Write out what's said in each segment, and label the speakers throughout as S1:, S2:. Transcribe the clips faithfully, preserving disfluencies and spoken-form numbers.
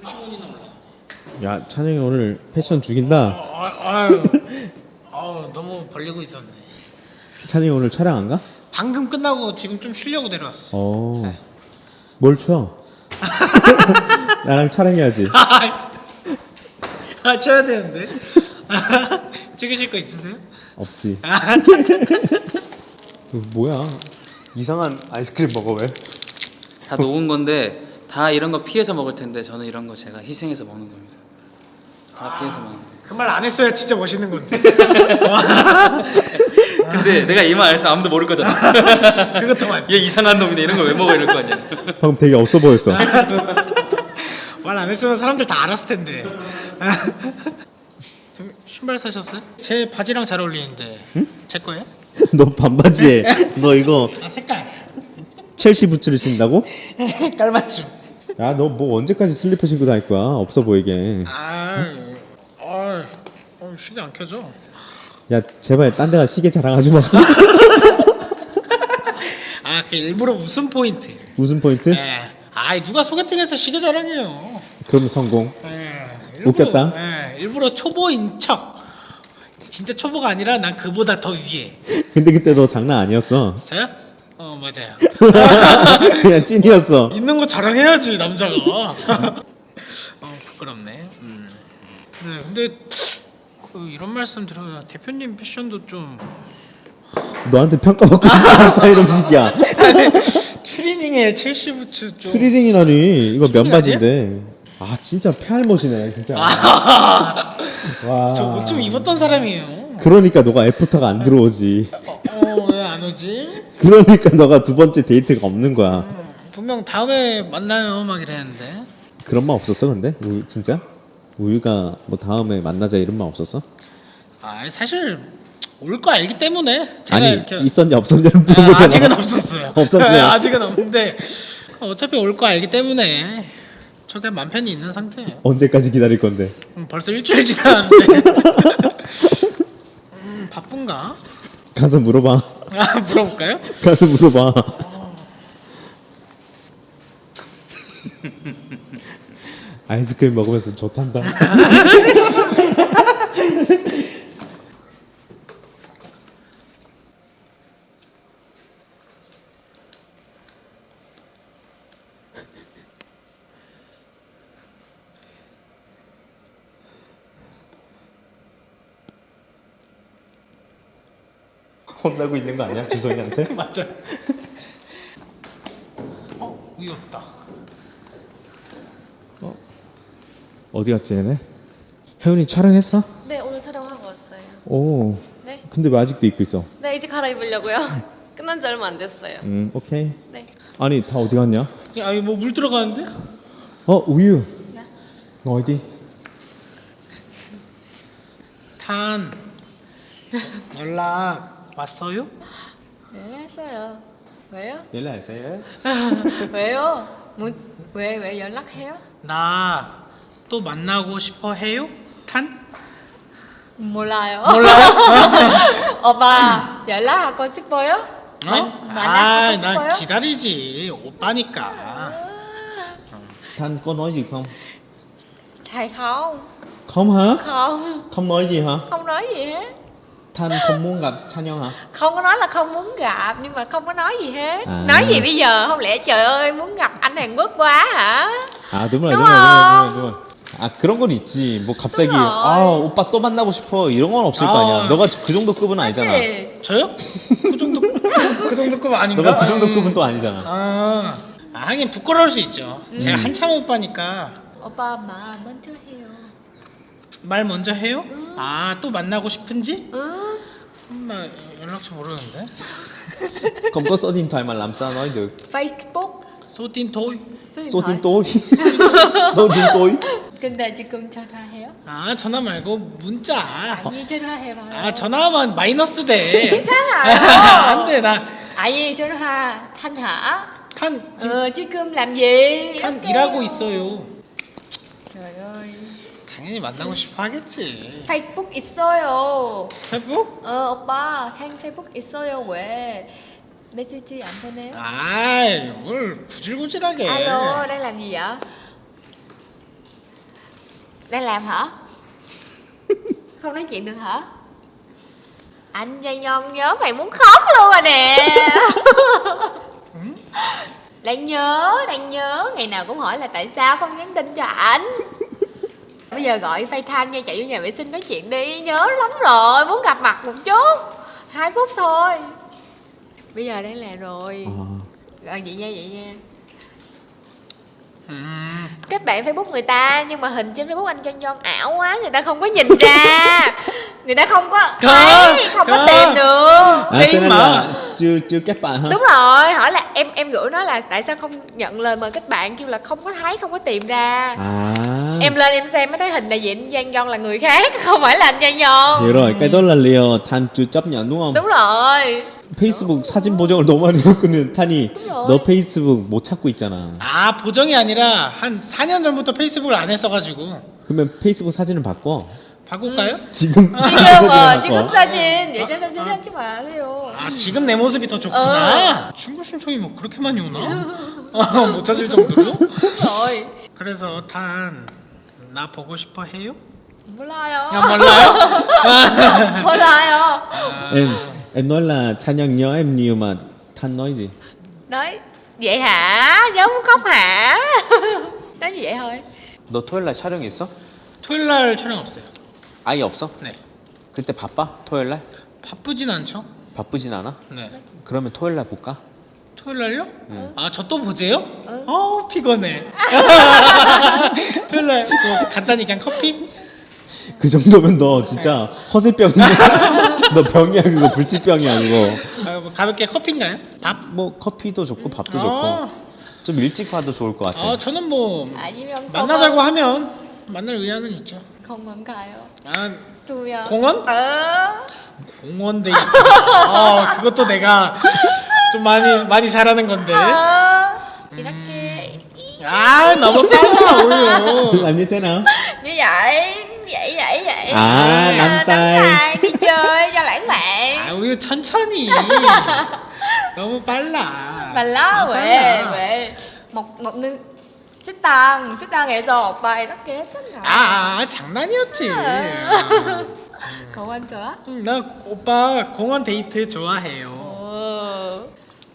S1: 오십 원이나 올라.
S2: 야, 찬영이 오늘 패션 죽인다.
S1: 아, 아유, 아유, 너무 벌리고 있었네.
S2: 찬영이 오늘 촬영 안 가?
S1: 방금 끝나고 지금 좀 쉬려고 내려왔어.
S2: 어.
S1: 네.
S2: 뭘 쳐? 나랑 촬영해야지.
S1: 아, 쳐야 되는데. 찍으실 거 있으세요?
S2: 없지.
S1: 아,
S2: 이거 뭐야? 이상한 아이스크림 먹어 왜?
S3: 다 녹은 건데 다 이런 거 피해서 먹을 텐데 저는 이런 거 제가 희생해서 먹는 겁니다. 다 피해서 먹는 거예요.
S1: 그 말 안 했어야 진짜 멋있는 건데.
S3: 근데 내가 이 말 안 했으면 아무도 모를 거잖아.
S1: 그것도 맞지.
S3: 얘 이상한 놈이네 이런 거 왜 먹어 이럴 거 아니야.
S2: 방금 되게 없어 보였어.
S1: 말 안 했으면 사람들 다 알았을 텐데. 신발 사셨어요? 제 바지랑 잘 어울리는데.
S2: 응?
S1: 제 거예요?
S2: 너 반바지에 너 이거
S1: 아, 색깔.
S2: 첼시 부츠를 신다고?
S1: 깔맞춤.
S2: 야, 너 뭐 언제까지 슬리퍼 신고 다닐 거야? 없어 보이게.
S1: 아, 아, 어, 시계 안 켜져.
S2: 야, 제발 딴 데가 시계 자랑하지 마.
S1: 아, 그 일부러 웃음 포인트.
S2: 무슨 포인트?
S1: 예. 아, 누가 소개팅에서 시계 자랑해요.
S2: 그럼 성공.
S1: 예.
S2: 웃겼다?
S1: 예, 일부러 초보인 척. 진짜 초보가 아니라 난 그보다 더 위에.
S2: 근데 그때 너 장난 아니었어.
S1: 저요? 어, 맞아요.
S2: 그냥 찐이었어.
S1: 있는 거 자랑해야지 남자가. 어, 부끄럽네. 음. 네, 근데 그 이런 말씀 들어야 대표님 패션도 좀
S2: 너한테 평가받고 싶지 않다 이런 식이야.
S1: 추리닝에 첼시 부츠 좀.
S2: 추리닝이라니 이거
S1: 추리닝
S2: 면바지인데. 아, 진짜 페알못이네 진짜.
S1: 아,
S2: 와.
S1: 저 옷 좀 입었던 사람이에요.
S2: 그러니까 너가 애프터가 안 들어오지.
S1: 어, 왜 안 오지?
S2: 그러니까 너가 두 번째 데이트가 없는 거야.
S1: 음, 분명 다음에 만나요 막 이랬는데.
S2: 그런 말 없었어 근데? 우유, 진짜? 우유가 뭐 다음에 만나자 이런 말 없었어?
S1: 아, 사실 올 거 알기 때문에 제가
S2: 아니
S1: 이렇게
S2: 있었냐 없었냐를
S1: 아,
S2: 물어보잖아.
S1: 아직은 없었어요.
S2: 없었어요.
S1: 아직은 없는데 어차피 올 거 알기 때문에 저게 맘 편히 있는 상태예요.
S2: 언제까지 기다릴 건데?
S1: 음, 벌써 일주일 지났는데. 음, 바쁜가?
S2: 가서 물어봐.
S1: 아, 물어볼까요?
S2: 가서 물어봐. 아이스크림 먹으면서 좋단다. 혼나고 있는 거 아니야 주성이한테?
S1: 맞아. 어, 우유 없다.
S2: 어디 갔지 얘네? 혜윤이 촬영했어?
S4: 네, 오늘 촬영하고 왔어요.
S2: 오.
S4: 네.
S2: 근데 왜 아직도 입고 있어?
S4: 네, 이제 갈아입으려고요. 끝난 지 얼마 안 됐어요.
S2: 음, 오케이.
S4: 네.
S2: 아니 다 어디 갔냐?
S1: 아니 뭐 물 들어가는데?
S2: 어, 우유.
S4: 네.
S2: 너 어디?
S1: 탄 연락 왔어요?
S4: 네, 했어요. 왜요?
S2: 연락했어요?
S4: 왜요? 뭐, 왜, 왜 연락해요?
S1: 나 또 만나고 싶어 해요? 탄?
S4: 몰라요.
S1: 몰라요?
S4: 오빠, 연락하고 싶어요?
S1: 어?
S4: 만-
S1: 아,
S4: 만나고
S1: 난
S4: 싶어요?
S1: 기다리지. 오빠니까.
S2: Thanh có nói gì không?
S4: Thầy không.
S2: Không hả?
S4: Không,
S2: Không nói gì hả?
S4: không nói gì hết.
S2: Thanh không muốn gặp Thanh hả?
S4: Không có nói là không muốn gặp, nhưng mà không có nói gì hết.
S2: À.
S4: Nói gì bây giờ? Không lẽ trời ơi muốn gặp anh Hàn Quốc quá hả?
S2: 아, đúng rồi,
S4: Đúng
S2: đúng rồi, đúng rồi,
S4: không?
S2: đúng rồi. 아, 그런 건 있지. 뭐 갑자기
S4: đúng rồi.
S2: 아, 오빠 또 만나고 싶어. 이런 건 없을 거 아니야.
S1: 아.
S2: 너가 그 정도 급은 아니잖아.
S4: Thì
S1: 저요? 그 정도 그 정도급 아닌가?
S2: 너가 그 정도
S1: 음.
S2: 급은 또 아니잖아.
S1: 아, 아, 하긴 부끄러울 수 있죠. 제가 한참 오빠니까
S4: 오빠 말 먼저 해요.
S1: 말 먼저 해요? 아, 또 만나고 싶은지?
S4: 응?
S1: 음, 나 연락처 모르는데.
S2: Không có số điện thoại mà làm sao nói được.
S4: Facebook.
S1: 소틴 토이.
S2: Số tin tối. Số tin tối.
S4: 근데 지금 전화해요?
S1: 아, 전화 말고 문자.
S4: 아니 전화해봐요.
S1: 아, 전화하면 마이너스 돼.
S4: 괜찮아요.
S1: 안 돼, 나.
S4: 아니 전화 Thanh hả?
S1: 탄 지금
S4: Ờ, 지금 làm gì?
S1: 탄
S4: 이렇게.
S1: 일하고 있어요.
S4: trời ơi.
S1: 당연히 만나고 싶어 하겠지.
S4: Facebook 있어요.
S1: 페북?
S4: 어 오빠 Thanh Facebook 있어요. 왜 메시지 안 보내요?
S1: 아이, 뭘 구질구질하게.
S4: Alo đang làm gì vậy? Đang làm hả? Không nói chuyện được hả? Anh Gia Nhon nhớ mày muốn khóc luôn rồi nè. Đang nhớ, đang nhớ. Ngày nào cũng hỏi là tại sao không nhắn tin cho ảnh. Bây giờ gọi FaceTime nha, chạy vô nhà vệ sinh nói chuyện đi. Nhớ lắm rồi, muốn gặp mặt một chút. Hai phút thôi. Bây giờ đang làm rồi.
S2: 아,
S4: Rồi vậy nha, vậy nha.
S1: 음.
S4: Kết bạn Facebook người ta nhưng mà hình trên Facebook anh John John ảo quá, người ta không có nhìn ra, người ta không có thấy, không có
S1: có.
S4: tìm được.
S2: 아,
S1: Xin
S2: cho nên
S1: mà.
S2: là chưa chưa kết bạn hả?
S4: Đúng rồi, hỏi là em em gửi nó là tại sao không nhận lời mời kết bạn, kêu là không có thấy, không có tìm ra.
S2: À,
S4: Em lên em xem mới thấy hình đại diện Giang John là người khác, không phải là anh Giang John.
S2: hiểu rồi. Cái đó là liều Than chưa chấp nhận đúng không?
S4: Đúng rồi.
S2: 페이스북 사진 보정을 너무 많이 했거든. 탄이
S4: rồi.
S2: 너 페이스북 못 찾고 있잖아.
S1: 아 보정이 아니라 한 사 년 전부터 페이스북을 안 했어가지고
S2: 그러면 페이스북 사진을 바꿔.
S1: 바꿀까요?
S2: 지금
S4: 지금 어, 지금
S2: 바꿔.
S4: 사진 예전 사진 하지 마세요.
S1: 아 지금 내 모습이 더 좋구나. 친구 신청이 뭐 그렇게 많이 오나? 아, 못 찾을 정도로?
S4: Rồi,
S1: 그래서 단 나 보고 싶어 해요?
S4: 몰라요.
S1: 야 몰라요?
S4: 몰라요.
S2: em em nói là 찬영 nhớ em nhiều mà Thanh nói gì?
S4: Nói vậy hả? Nhớ muốn khóc hả? Nói như vậy thôi.
S2: 너 토요일 날 촬영 있어?
S1: 토요일 날 촬영 없어요.
S2: 아예 없어?
S1: 네.
S2: 그때 바빠? 토요일 날?
S1: 바쁘진 않죠?
S2: 바쁘진 않아?
S1: 네.
S2: 그러면 토요일 날 볼까?
S1: 토요일 날요?
S2: 응.
S1: 아 저 또 보재요?
S4: 응.
S1: 어 피곤해. 토요일 날 뭐 간단히 그냥 커피?
S2: 그 정도면 너 진짜 허세병인데. 너 병이야 그거 불치병이야 그거.
S1: 아, 뭐 가볍게 커피인가요? 밥?
S2: 뭐 커피도 좋고 밥도
S1: 어.
S2: 좋고 좀 일찍 봐도 좋을 것 같아.
S1: 아 저는 뭐
S4: 아니면
S1: 만나자고 하면 만날 의향은 있죠.
S4: 공원 가요.
S1: 아
S4: 두면.
S1: 공원?
S4: 어.
S1: 공원 데이트. 아 그것도 내가 좀 많이 많이 잘하는 건데.
S4: 어. 이렇게
S1: 아 너무 빨라 오히려.
S2: làm như thế nào?
S4: như vậy, vậy vậy vậy.
S2: À,
S4: Ờ,
S2: nắm
S4: nắm
S2: tay.
S4: tay đi chơi cho lãng mạn.
S1: 아 오히려 천천히. 너무 빨라.
S4: Mà lo
S1: 너무
S4: 왜
S1: 빨라.
S4: 왜? một một nữ 식당 식당에서 오빠 이렇게 했잖아.
S1: 아, 아 장난이었지.
S4: 공원 좋아?
S1: 응, 나 오빠 공원 데이트 좋아해요.
S4: 어.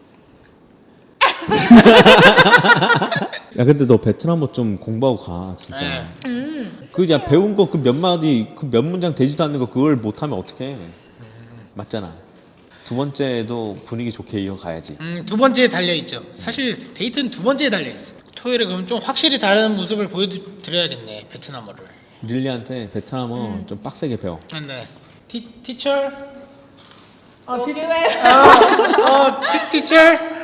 S2: 야 근데 너 베트남어 좀 공부하고 가 진짜.
S1: 네.
S4: 음.
S2: 그 야 배운 거 그 몇 마디 그 몇 문장 되지도 않는 거 그걸 못하면 어떡해? 맞잖아. 두 번째도 분위기 좋게 이어가야지.
S1: 음, 두 번째에 달려 있죠. 사실 데이트는 두 번째에 달려 있어. 토요일에 그럼 좀 확실히 다른 모습을 보여드려야겠네. 베트남어를.
S2: 릴리한테 베트남어 좀 빡세게 배워.
S1: 아, 네. 티 티처. 어, 티,
S4: Ok.
S1: 어, 어, 티 티처.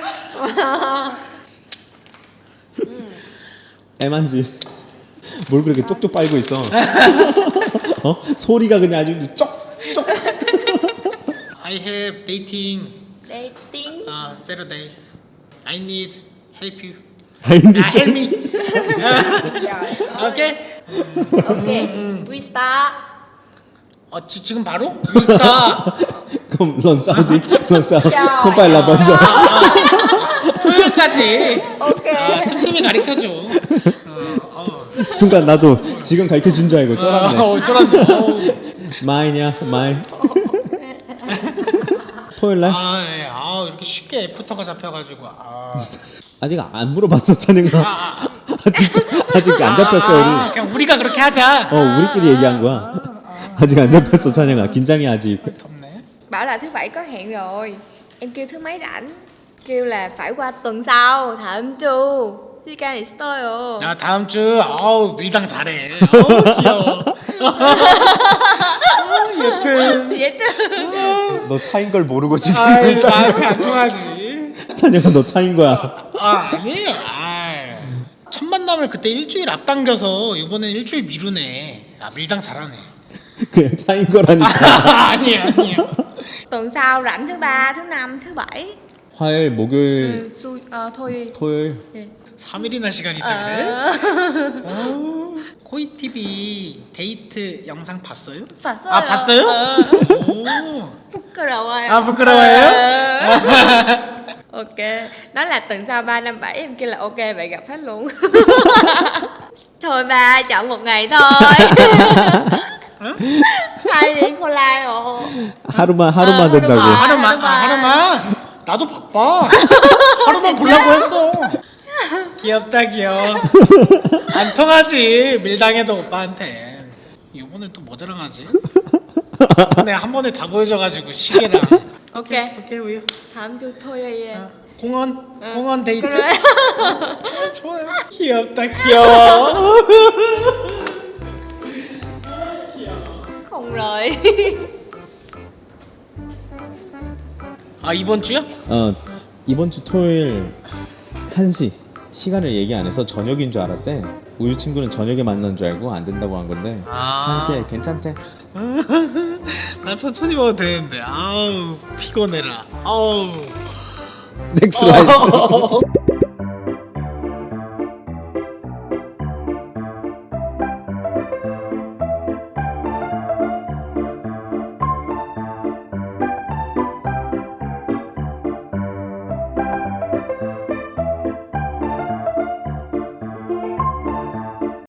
S2: 애만지. 뭘 그렇게 쪽쪽 빨고 있어? 어? 소리가 그냥 아주 쪽쪽.
S1: I have dating.
S4: Dating.
S1: Uh, Saturday. I need help you.
S2: 아니.
S1: 아, help me.
S4: Rồi.
S1: 오케이.
S4: Ok. We start.
S1: 어, 지, 지금 바로? 인스타.
S2: 그럼 런 사우디 런 사우.
S4: trời
S2: 콤파일라
S4: ơi.
S2: 먼저.
S1: 토요일까지.
S4: Ok.
S1: 아, 틈틈이 가르쳐줘. 어, 어.
S2: 순간 나도 지금 가르쳐 준 줄 알고 쫄았네.
S1: 어, 쫄았네. 어우.
S2: 마이냐 마이. 토요일 날?
S1: 아, 예. 아, 이렇게 쉽게 애프터가 잡혀가지고. 아,
S2: 아직 안 물어봤어 찬영아.
S1: 아, 아.
S2: 아직 아직 안 잡혔어
S1: 아,
S2: 우리.
S1: 그냥 우리가 그렇게 하자.
S2: 어 우리끼리 얘기한 거야. 아직 안 잡혔어 찬영아. 긴장해 아직.
S1: 덥네.
S4: Bảo là thứ bảy có hẹn rồi. Em kêu thứ mấy rảnh. Kêu là phải qua tuần sau. 다음 주 시간 있어요.
S1: 야, 다음 주. 아우, 밀당 잘해. 아우, 귀여워. 아, 여튼.
S4: Vậy
S2: 너 차인 걸 모르고 지금.
S1: 아이, 나한테 안 통하지.
S2: 찬영아 너 차인 거야.
S1: 아, 아니에요. 아. 첫 만남을 그때 일주일 앞당겨서 이번엔 일주일 미루네. 아, 밀당 잘하네.
S2: 그냥 차인 거라니까.
S1: 아, 아니에요, 아니에요.
S4: tuần sau rảnh thứ ba, thứ năm, thứ bảy.
S2: 화요일, 목요일,
S4: Ừ, su, ờ, thôi.
S2: 토요일.
S4: 예.
S1: 삼 일이나 시간이 있던데.
S4: 아.
S1: 어, 코이티비 데이트 영상 봤어요?
S4: 봤어요.
S1: 아, 봤어요?
S4: 어.
S1: 오.
S4: 부끄러워요.
S1: 아, 부끄러워요?
S4: Ờ. Ok. Nói là tuần sau ba năm bảy em kêu là ok vậy gặp hết luôn. Thôi ba, chọn một ngày thôi. Hai ly cola rồi.
S2: 하루만 하루만
S4: 아,
S2: 된다고.
S4: 하루만.
S1: 하루만 아, 하루만 나도 바빠 하루만 보려고 했어 귀엽다 귀여워 안 통하지 밀당해도 오빠한테 이번엔 또 뭐 자랑하지? 이번에 한 번에 다 보여줘가지고 시계랑
S4: Ok.
S1: 오케이 우유
S4: 다음 주 토요일에.
S1: 어, 공원 공원 데이트
S4: 그래.
S1: 좋아요 귀엽다 귀여워
S4: Không rồi.
S1: 아 이번 주야?
S2: 어 이번 주 토요일 한 시 시간을 얘기 안 해서 저녁인 줄 알았대. 우유 친구는 저녁에 만난 줄 알고 안 된다고 한 건데
S1: 아.
S2: 한 시에 괜찮대.
S1: 나 천천히 먹어도 되는데 아우 피곤해라 아우
S2: 넥스트 라이프.